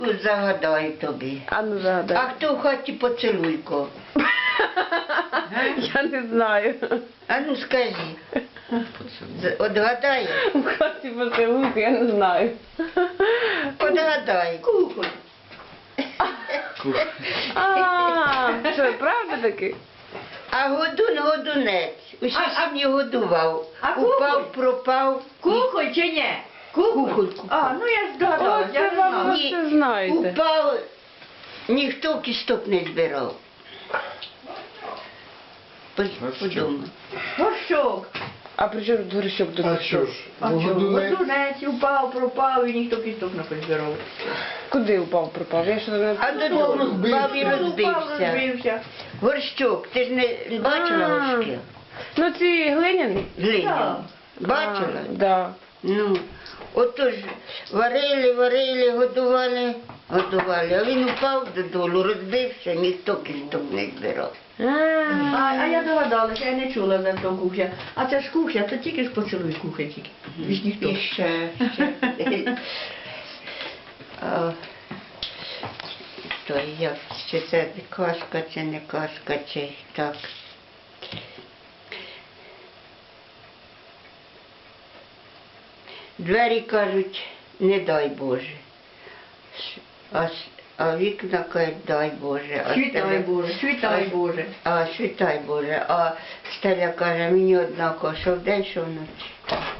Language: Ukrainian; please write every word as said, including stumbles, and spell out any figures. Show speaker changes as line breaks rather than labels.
Загадаю тобі.
А ну загадай.
А хто в хаті поцілуйко?
Я не знаю.
А ну скажи. З- Отгадай?
У хаті поцілунку, я не знаю.
Отгадай. Кухоль.
А, що, правда таки?
А годун годунець. Усі
А- а-
сім'ї годував.
а кухоль?
Упав, пропав.
Кухоль чи ні? Кухоль?
Кухоль.
А, ну я здогадалась,
О,
я
це
не
вам-
знала.
ви все знаєте.
Упав, ніхто кісток не збирав. По- Подумай.
Горщок.
А при чому тут горщок до
А
нас?
що ж,
А що,
Володунець?
годунець упав, пропав і ніхто кісток не позбирав.
Куди упав, пропав? Я що не...
А додому
розбився.
впав і
Упав,
розбився.
розбився.
Горщок, ти ж не бачила
А.
горшки?
Ну ці глиняні?
Глиняні. Бачила?
А, да.
Ну, отож, варили, варили, годували, годували, а він упав додолу, розбився, ніхто кісток не збирав.
А,
А, а я догадалася, я не чула за то кухня. А це ж кухня, то тільки ж поцілуй кухня тільки. Більш ніхто.
І ще, ще. А, То як, чи це казка, чи не казка, чи так. Двері кажуть, не дай Боже. А, с- а вікна кажуть, дай Боже. А
Світай
стеля-
Боже, світай Боже.
А світай Боже. А стеля каже, мені однаково, що вдень, що вночі.